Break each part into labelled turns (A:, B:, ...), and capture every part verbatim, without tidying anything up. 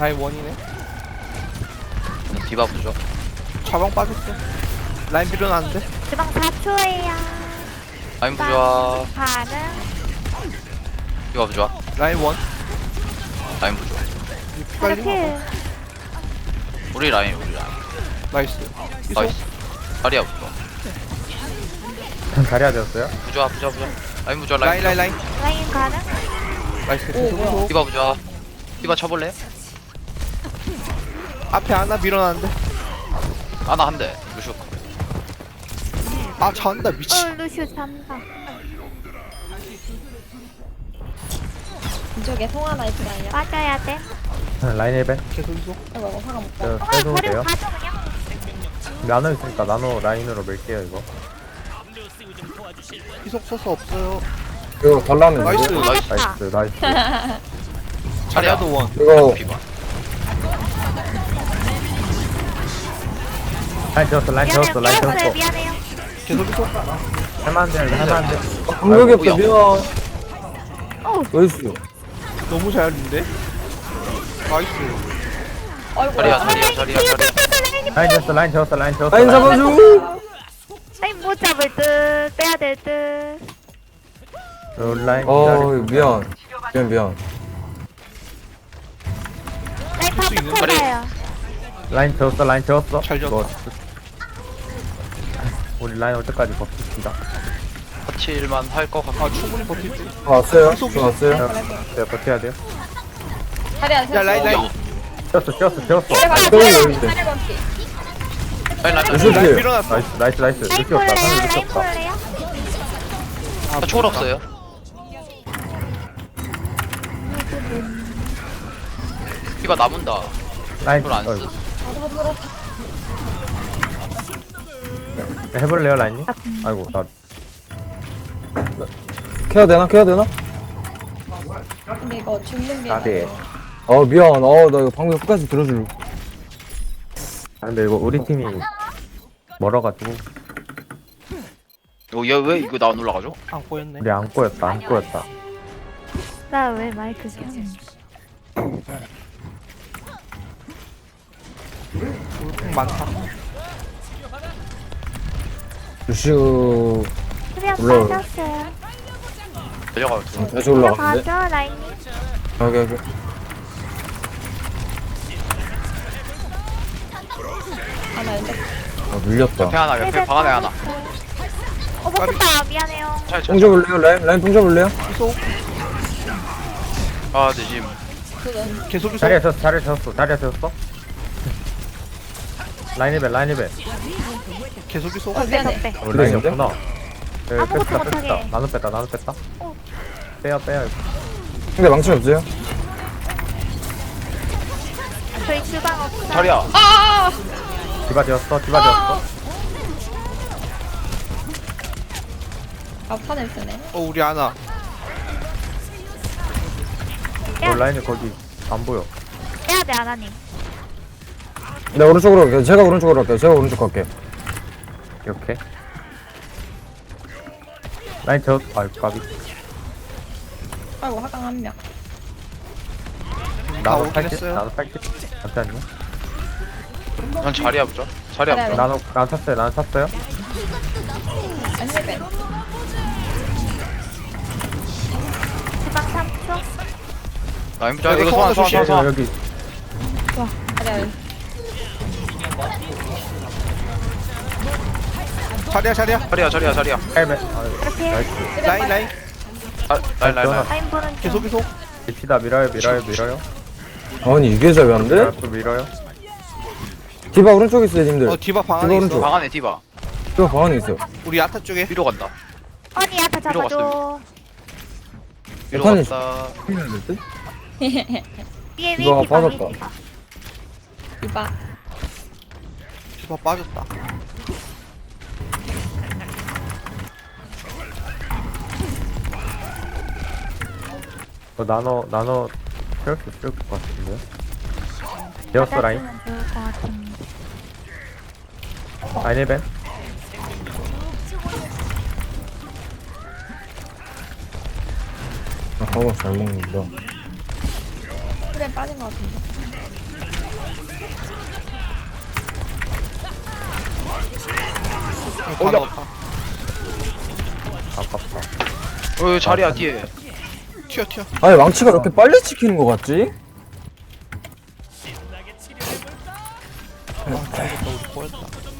A: 라인 원이네.
B: 디바 부죠.
A: 자방 빠졌어. 라인 밀어놨는데.
C: 주방 사 초예요.
B: 라인 부좋아.
C: 반응.
B: 디바 부좋아.
A: 라인 원.
B: 라인 부좋아.
A: 빨리.
C: 이렇게
B: 우리 라인 우리 라인.
A: 나이스. 이소.
B: 나이스. 자리야 부좋아.
D: 자리야 되었어요?
B: 부좋아 부좋아 부좋아. 라인 부좋아
A: 라인
B: 라인
A: 라인
B: 부좋아.
A: 라인.
C: 라인 가능.
A: 나이스. 계속.
B: 디바 부좋아. 디바 쳐볼래?
A: 앞에 하나 밀어놨는데.
B: 아나 한 대. 루슈.
A: 아 잔다 미치.
C: 어 루슈 산다.
E: 이쪽에 송아 나이프가 아니야?
C: 빠져야 돼.
D: 라인 일 벤.
A: 계속 이소.
E: 이거 이거 화가 못 가.
D: 저
C: 어
D: 빼도
C: 버리고
D: 돼요?
C: 가죠 그냥.
D: 나노 있으니까 나노 라인으로 밀게요 이거.
A: 희속 소스 없어요.
F: 이거 달라면
A: 나이스.
F: 돼.
B: 나이스.
D: 나이스 나이스.
A: 자리야도 원.
F: 이거
B: 디바.
D: 라인 되었어 라인
C: 미안해요.
D: 되었어 라인
C: 미안해요.
D: 되었어.
C: 미안해요.
A: 계속 이소.
D: 할만한데 할만한데.
F: 공격이 없어 미안.
C: 어
F: 나이스.
A: 너무 잘 했는데. 나이스.
E: 아이고.
B: 자리야 자리야 자리야 자리야.
D: 라인 되었어 라인 되었어 라인 되었어.
F: 라인 잡아줘.
C: 라인 못 잡을 듯. 빼야 될 듯.
D: 저 라인
F: 어
D: 기다리고.
F: 미안. 미안 미안.
C: 라인
A: 할수 있는
C: 파고 쳐봐요.
D: 라인 되었어 라인 되었어.
A: 잘 지었다.
D: 뭐, 우리 라인 올 때까지 버팁시다.
B: 터칠만 할 것 같아.
A: 아 충분히 버틸 듯.
F: 아, 왔어요?
A: 계속
F: 저 왔어요?
D: 제가 버텨야 돼요.
E: 자리 안
A: 야 라인 라인.
D: 되었어 되었어 되었어.
E: 자리 건
F: 저기
E: 자리
F: 여기 있대.
E: 자리 건피.
B: 라인 라인
F: 루슈
B: 라인.
A: 라인
F: 필.
A: 밀어놨어.
D: 나이스 나이스 나이스.
C: 라인
D: 루시 없다. 상대
C: 볼래요?
D: 루시
C: 라인
D: 없다.
C: 볼래요?
A: 아
B: 나 초월 없어요. 디바 남은다.
D: 라인
B: 초월 안
D: 어이구.
B: 쓰.
D: 해볼래요 라인님? 아이고 나
F: 케어 되나? 케어 되나?
E: 근데 이거 죽는 게.
D: 나대.
F: 어 미안. 어 나 이거 방금 끝까지 들어줄.
D: 아, 근데 이거 우리 팀이 멀어가지고
B: 어, 얘왜 이거 나 안 올라가죠?
A: 안 꼬였네.
D: 우리 안 꼬였다 안 꼬였다.
C: 나 왜 마이크 켜?
A: 물품 많다.
F: 루슈
C: 수면
F: 올라와요.
C: 빠졌어요.
B: 내려가요.
F: 다시 올라갔는데?
C: 가죠 라인님.
F: 여기 여기.
E: 아나 근데
F: 아 밀렸다.
B: 옆에 하나 옆에 방 안에 하나.
C: 어 못했다. 미안해요.
B: 잘
F: 통
B: 잘.
F: 잡을래요? 라인 라인 통 잡을래요?
A: 이소.
B: 아 네, 지금
A: 계속 이소.
D: 자리에 섰어 자리에 섰어 자리에 섰어. 라인 벨 라인 벨.
A: 계속 이소.
E: 어 미안해.
C: 빼.
D: 우리 라인
F: 그래,
D: 없구나. 네,
C: 아무것도
D: 뺐다
C: 못하게.
D: 뺐다. 나눠 뺐다 나눠 뺐다.
C: 어.
D: 빼요 빼요.
F: 근데 망치 없어요?
C: 저희 주방 없어.
B: 자리야.
D: 디바 되었어 디바 되었어.
E: 아 판을 쓰네.
A: 어 우리 하나.
D: 어, 라인이 거기 안 보여.
C: 빼야 돼 아나님.
F: 네 오른쪽으로 갈게요. 제가 오른쪽으로 갈게요. 제가 오른쪽 갈게요.
D: 이렇게. 라인 저 아이 까비.
E: 아이고 화강 한 명.
D: 나도
A: 오긴
D: 팔십
A: 했어요.
D: 나도 팔십. 잠시만요.
B: 난 자리야 보자. 자리야
E: 자리야.
B: 보자.
D: 나도 나 탔어요 나도 탔어요.
E: 안녕히
C: 주방 삼 초.
B: 라인 보자.
A: 이거
B: 이거 소환 소환
A: 소환
B: 소환.
D: 여기
B: 소환.
D: 여기
E: 자리
A: 자리야 자리야.
B: 자리야 자리야 자리야.
D: 헬멧.
C: 이렇게
D: 나이스.
A: 라인 라인.
B: 아, 라인 라인 라인.
C: 라인 보는 중.
A: 계속 이소.
D: 밀치다 밀어요 밀어요 밀어요.
F: 아니 이게 잡이 안 돼?
D: 또 밀어요.
F: 디바 오른쪽에 있어요 님들.
A: 어 디바 방
F: 디바
A: 안에
F: 오른쪽.
A: 있어.
B: 방 안에 디바.
F: 디바 방 안에 있어.
A: 우리 야타 쪽에.
B: 위로 간다.
C: 언니 야타
B: 위로
C: 잡아줘.
B: 위로
F: 판이
B: 갔다.
F: 큰일 날 듯?
C: 위에 위
F: 디바가
C: 디바 위
F: 빠졌다.
C: 디바.
E: 이봐.
A: 디바 빠졌다.
D: 어, 나눠 나눠 채울 수 있을 것 같은데요. 되었어 라인.
C: 받아주면 좋을 것 같은데.
D: 라인 일 벤.
F: 아, 방어 잘 먹는다.
E: 그래 빠진 것 같은데.
A: 다 넣었다.
D: 아깝다.
B: 어 자리야 뒤에.
A: 튀어 튀어.
F: 아니 망치가 왜 이렇게 빨리 찍히는 거 같지?
A: 아 죽었다 우리 꼬였다.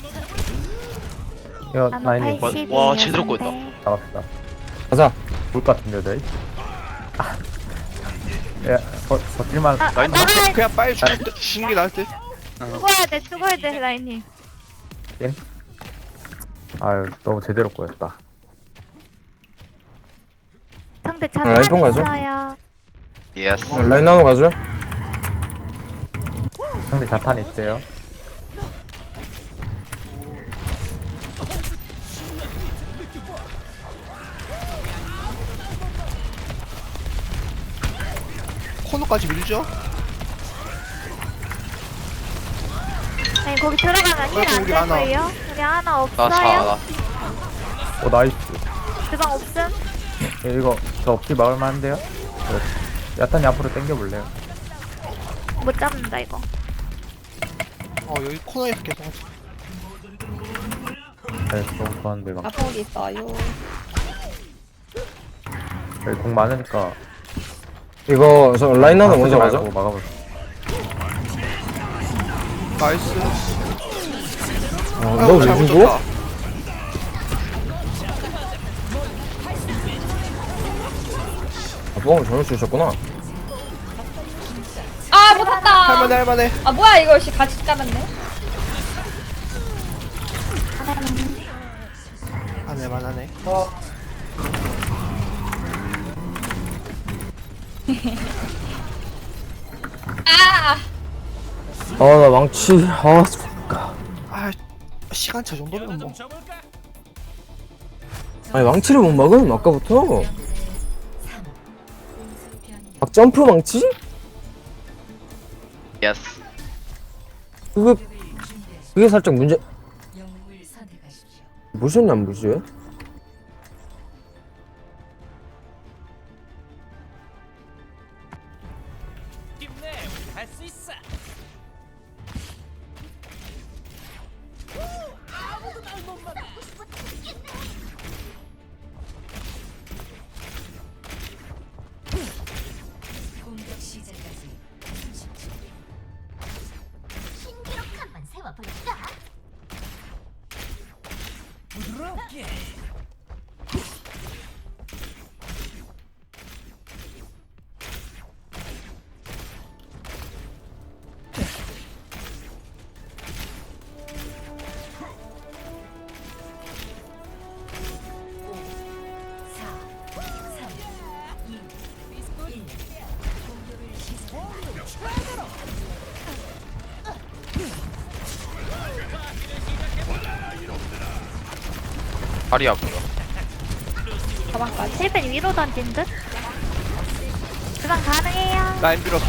D: 이거
C: 나노
D: 라인이
C: 팔십이에요.
B: 와, 제대로 꼬였다.
C: 상대.
D: 잡았다.
F: 가자.
D: 볼것 같은데, 네. 아. 야, 버, 버틸만.
C: 아,
B: 라인
C: 나가야
A: 그냥 빨리 죽는 듯- 죽는 게 나을 듯.
C: 죽어야 돼, 죽어야 돼, 라인님.
D: 아유, 너무 제대로 꼬였다.
C: 상대
F: 아, 라인 통 가죠?
C: 잘했어요.
B: 예스.
F: 라인 나눠 가죠.
D: 상대 자탄 있어요.
A: 코너까지 밀죠?
C: 아니, 거기 들어가면
A: 그래도
C: 힐안
A: 우리
C: 될
A: 하나.
C: 거예요? 우리 하나
B: 나
C: 없어요?
B: 사.
D: 오, 나이스.
C: 주방 없음?
D: 예, 이거 저 없이 막을만 한데요? 네. 야탄이 앞으로 당겨볼래요?
C: 못 잡는다, 이거.
A: 어 여기 코너에서 계속 하지.
D: 네, 너무 좋았는데 막.
E: 아폭이 있어요.
D: 여기 공 많으니까.
F: 이거 저 라인 나눠
D: 아,
F: 먼저
D: 쓰지
F: 가죠.
D: 말고 막아볼.
A: 나이스.
F: 어,
A: 아이고,
F: 너왜
A: 잘못
F: 죽어?
A: 줬다.
F: 아, 뽕을 잘못 주셨구나.
E: 아 못했다.
A: 할만해 할만해.
E: 아 뭐야 이거 씨 같이 잡았네.
A: 안해만 하네.
E: 아
F: 아, 나 망치. 아, 좋다.
A: 아 시간차 정도면 뭐.
F: 아니 망치를 못 막음 아까부터. 막 점프 망치?
B: 예스.
F: 그게 그게 살짝 문제. 무슨 안 무시해?
G: 공격 시작까지 삼십 초. 신기록 한번 세워볼까?
B: 자리야 보여.
E: 가방까지.
C: 힐벤 위로 던진 듯? 주방 가능해요.
A: 라인 밀었어.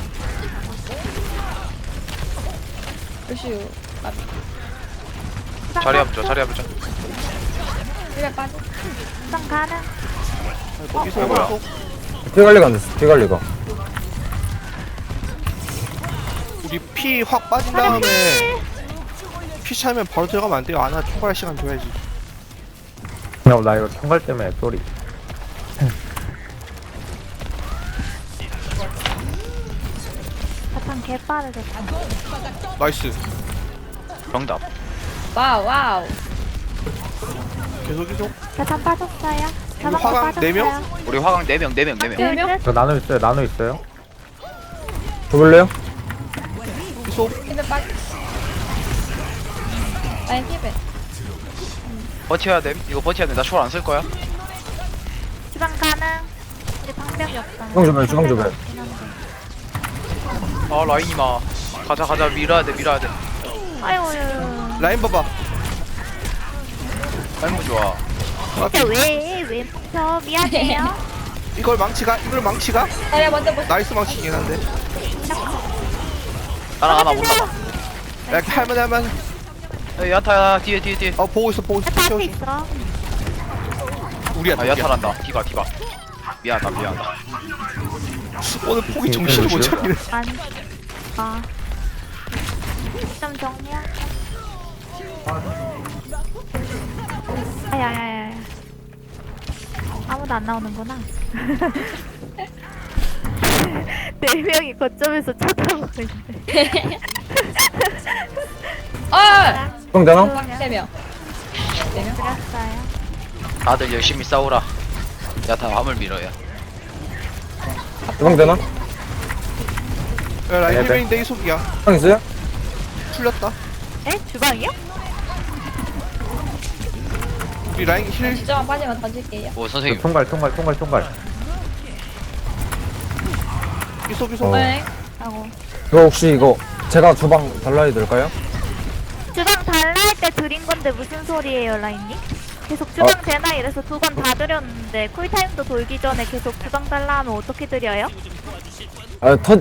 E: 루시우. 아
C: 주방
B: 자리야
C: 가-
B: 보자. 자리야 보자.
E: 그래 빠져.
C: 주방 가능.
A: 아니, 거기서
B: 어, 뭐야?
A: 계속
F: 피 관리가 안 됐어. 피 관리가.
A: 우리 피 확 빠진 다음에 피 차면 바로 들어가면 안 돼요. 아나 총괄 시간 줘야지.
D: 야, 나 이거 총갈 때문에 쏘리.
C: 자탄 개빠르겠다.
A: 나이스.
B: 정답.
E: 와우 와우.
A: 계속 계속.
C: 자탄 빠졌어요. 자탄
A: 화강
C: 빠졌어요.
A: 네 명?
B: 우리 화강 네 명, 네 명, 네 명.
E: 네 명?
D: 저 나노 있어요, 나노 있어요.
F: 줘볼래요?
A: 계속.
E: 힐벤 빠져. 아니 힐벤.
B: 버텨야 돼. 이거 버텨야 돼. 나 초월 안 쓸 거야.
C: 주방 가능. 우리 방벽이 없다.
F: 주방 줘봐요, 주방 줘봐요.
B: 아 라인이마. 가자 가자 밀어야 돼 밀어야 돼.
C: 아이고,
A: 라인 봐봐.
B: 아이고 좋아.
C: 진짜 왜, 왜 멈춰? 미안해요.
A: 이걸 망치가? 이걸 망치가?
E: 자리야 먼저 보시.
A: 나이스 망치긴 한데.
B: 나랑 하나 올라가.
A: 야, 이렇게 할만해 할만해.
B: 야, 야타야 뒤에 뒤에 뒤에.
A: 어 보고 있어 보고 있어.
C: 자탄
A: 채워줘.
C: 있어.
A: 우리야
B: 아
A: 우리야.
B: 야타란다. 디바 디바. 미안하다 미안하다.
A: 오늘 폭이 정신을 못 차리네.
C: 안. 아. 좀 정리할게. 아야야야. 아무도 안 나오는구나. 네 명이 거점에서 쳐다보고 있네.
E: 아!
F: 주방 되나?
E: 세 명. 네 명.
C: 그랬어요.
B: 다들 열심히 싸우라. 야타 화물 밀어야.
F: 주방 되나?
A: 야, 라인
D: 네,
A: 힐베인데 이속이야.
F: 주방 있어요?
A: 풀렸다.
C: 에? 주방이요?
A: 우리 라인 힐
E: 진짜 빠지면 던질게요.
B: 오 선생님.
D: 총괄 총괄 총괄 총괄.
A: 이속 이속.
F: 어.
E: 네.
C: 하고.
F: 이거 혹시 이거 제가 주방 달라야 될까요?
C: 주방 달라 할 때 드린 건데 무슨 소리예요, 라인님? 계속 주방
F: 어.
C: 되나 이래서 두 번 다 드렸는데 쿨타임도 돌기 전에 계속 주방 달라 하면 어떻게 드려요?
F: 아, 터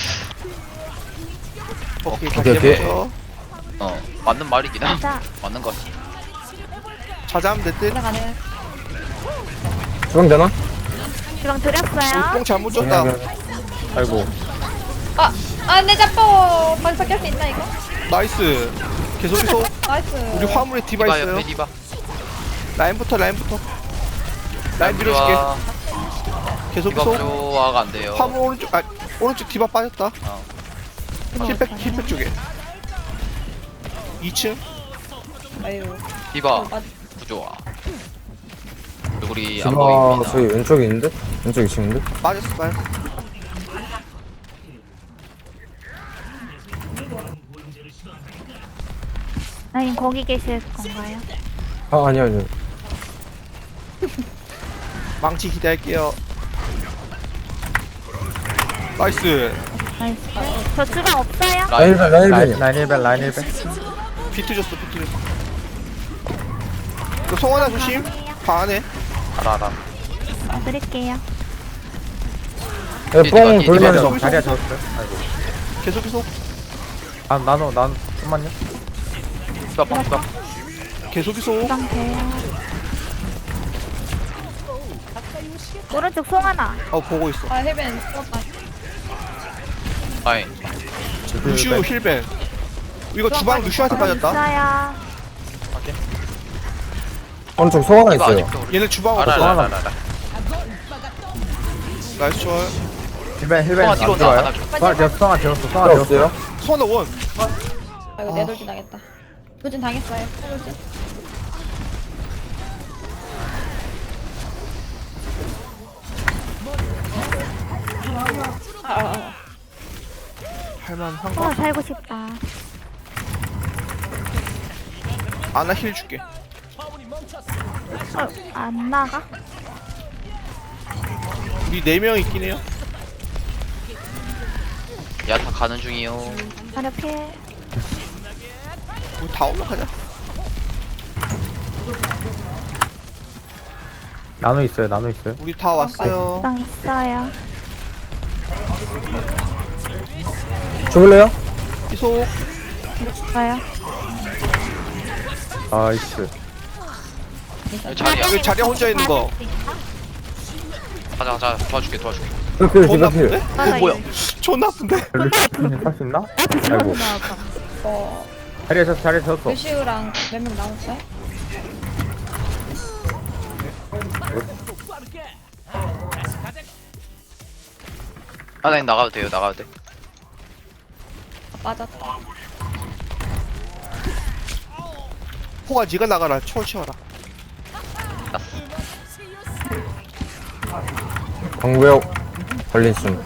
A: 오케이
F: 오케이,
A: 다시
F: 오케이.
A: 해보죠.
B: 어 맞는 말이긴 하.
C: 자,
B: 맞는 거.
A: 자자하면 될 듯.
E: 올라가네.
F: 주방 되나?
C: 주방 드렸어요.
A: 뽕 잘못 줬다.
D: 아이고.
E: 아! 아, 내 잡고! 벌써 깰 수 있나, 이거?
A: 나이스. 계속 이속.
E: 나이스.
A: 우리 화물에 디바
B: 디바
A: 있어요.
B: 옆에 디바.
A: 라인부터 라인부터. 라인 밀어줄게.
B: 좋아.
A: 계속
B: 디바
A: 이속.
B: 부조화가 안 돼요.
A: 화물 오른쪽 아 오른쪽 디바 빠졌다.
B: 어.
A: 힐백 힐백 쪽에. 이 층.
E: 아유.
B: 디바
E: 아,
B: 부조화. 우리 안
F: 디바
B: 보입니다.
F: 저기 왼쪽에 있는데? 왼쪽 이 층인데?
A: 빠졌어 빠졌어.
C: 라인 거기 계실 건가요?
F: 아, 아니요, 아니요.
A: 망치 기대할게요. 나이스.
C: 나이스. 저 주방 없어요?
F: 라인 힐 라인
D: 라인
F: 힐
D: 라인 일벤 라인 일벤.
A: 비트 줬어 비트 줬어. 너 송하나 조심. 방 안에.
B: 알아 알아.
C: 아, 드릴게요.
F: 뽕
B: 디바,
F: 돌면서
A: 디바.
D: 자리야 졌어요. 아이고.
A: 계속 계속.
D: 아 나노 난 잠만요.
B: 디바 방 디바.
A: 계속 계속.
C: 주방 돼요. 오른쪽 송 하나.
A: 어 보고 있어.
E: 아, 헬벤 죽었다.
B: 아이.
A: 루슈 힐벤. 이거 주방 루슈한테 빠졌다.
C: 있어요.
F: 오른쪽 소화가
B: 디바
F: 있어요.
B: 아직도 우리.
A: 얘네 주방
B: 알아
A: 없어.
B: 알아 알아 알아.
A: 나이스 좋아요.
D: 일벤 일벤
B: 성아
D: 안
B: 뒤로
D: 들어와요.
B: 나가.
D: 성아 되었어 성아 되었어 성아
F: 필요
D: 되었어.
F: 없어요?
A: 송하나 원.
E: 아이고, 내 돌진 당했다. 돌진 당했어요. 돌진. 아, 아, 아.
A: 할만한가?
C: 어, 살고 싶다.
A: 아나 힐 줄게.
C: 어, 안 나가?
A: 우리 네 명 있긴 해요.
B: 야타 가는 중이요.
C: 자료 필.
A: 우리 다 올라가자.
D: 나노 있어요 나노 있어요.
A: 우리 다 왔어요.
C: 주방 있어요.
F: 죽을래요?
A: 이속.
C: 있어요.
D: 나이스.
B: 자리야.
A: 여기 자리야 혼자 있는 거.
B: 가자 가자. 도와줄게 도와줄게.
F: 디바 필
A: 존나
F: 디바 필.
A: 아픈데?
C: 맞아,
B: 뭐야?
C: 이거.
A: 존나 아픈데?
D: 루시님 할수 있나? 아이고.
E: 어,
D: 자리야 졌어 자리야 졌어.
E: 루시우랑 몇 명 남았어요?
B: 하나님 나가도 돼요 나가도 돼.
E: 아, 빠졌다.
A: 호가 니가 나가라. 초월 치워라.
F: 광구역 걸린 숨.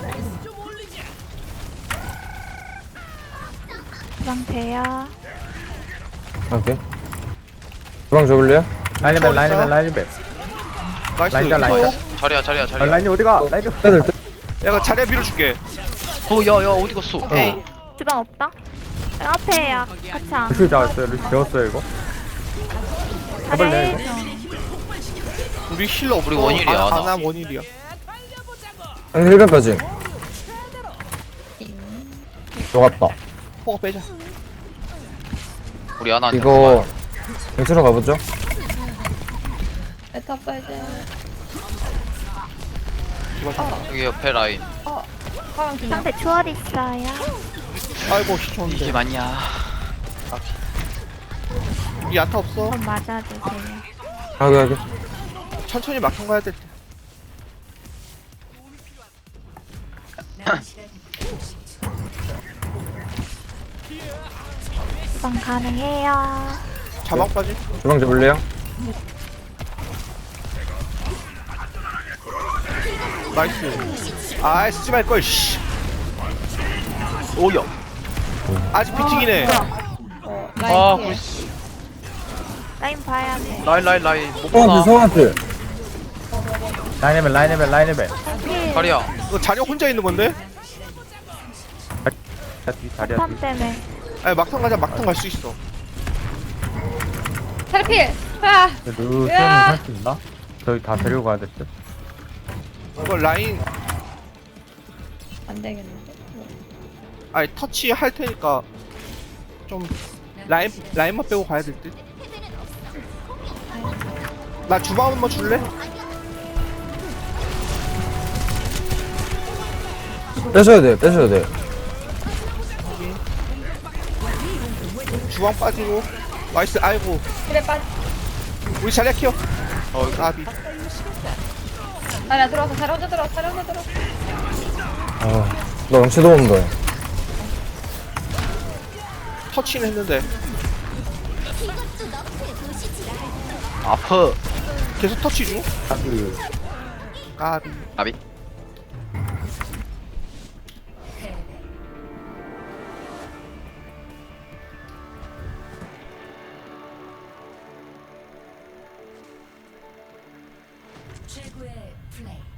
C: 주방 돼요.
F: 오케이. 주방 죽을래요?
D: 라인 일벤 라인 일벤 라인 일벤.
A: 나이스.
D: 라인자, 라인자.
A: 이속.
B: 자리야 자리야
D: 아,
B: 자리야.
D: 라인이 어디가? 라인 좀.
F: 해야 될 듯?
A: 내가 자리야 밀어줄게.
B: 어야야 어디 갔어?
C: 오케이. 주방 없다? 앞에야. 같이 안.
D: 루시 잡았어요 루시 되었어요 이거.
C: 자리에
D: 해볼래,
A: 우리 힐러 없어.
B: 우리 원일이야,
A: 아,
B: 나.
A: 아나 원일이야.
F: 아니 힐벤 빠짐. 녹았다.
A: 호가 빼자.
B: 우리 하나.
F: 이거 엑스로 가보죠.
E: 메타 사이즈.
A: 제발 좀.
B: 여기 옆에 라인.
E: 어 화면 그냥
C: 상대 추월 있어요.
A: 아이고 씨, 좋은데.
B: 이게 맞냐?
A: 이 야타 없어.
C: 좀 맞아주세요.
F: 여기 여기.
A: 천천히 막상 가야 될 때.
C: 주방 가능해요.
A: 자막 빠지.
F: 주방 잡을래요?
A: 나이스. 아 쓰지 말걸 씨. 오야. 아직 피팅이네.
E: 어
B: 아,
E: 라인
B: 구
C: 라인 봐야 돼.
B: 라인 라인 라인. 못
F: 성한테
B: 보나?
F: 성한테.
D: 라인에벨 라인에벨 라인에벨.
B: 다리야.
A: 이거 자리 혼자 있는 건데?
D: 자, 뒤 자리야
C: 탐
D: 뒤.
C: 때문에.
A: 아니 막상 가자 막상 갈 수 있어.
E: 탈필 아
D: 루시오는
E: 으아!
D: 할 수 있나? 저희 다 데리고 가야 될 듯.
A: 이거 라인
E: 안되겠는데
A: 아니 터치 할 테니까 좀 라인 라인만 빼고 가야 될 듯. 나 주방 한번 줄래?
F: 빼셔야 돼 빼셔야 돼.
A: 주방 빠지고. 나이스. 아이고
E: 그래 빠지
A: 우리 자리야 키워.
B: 어,
A: 나비.
E: 아니야 들어왔어 잘 혼자 들어왔어 잘 혼자 들어왔어
F: 아나 영치도 없는데.
A: 터치는 했는데
B: 아프.
A: 계속 터치 중.
D: 그
A: 까비.
B: 나비.
G: 최고의 플레이.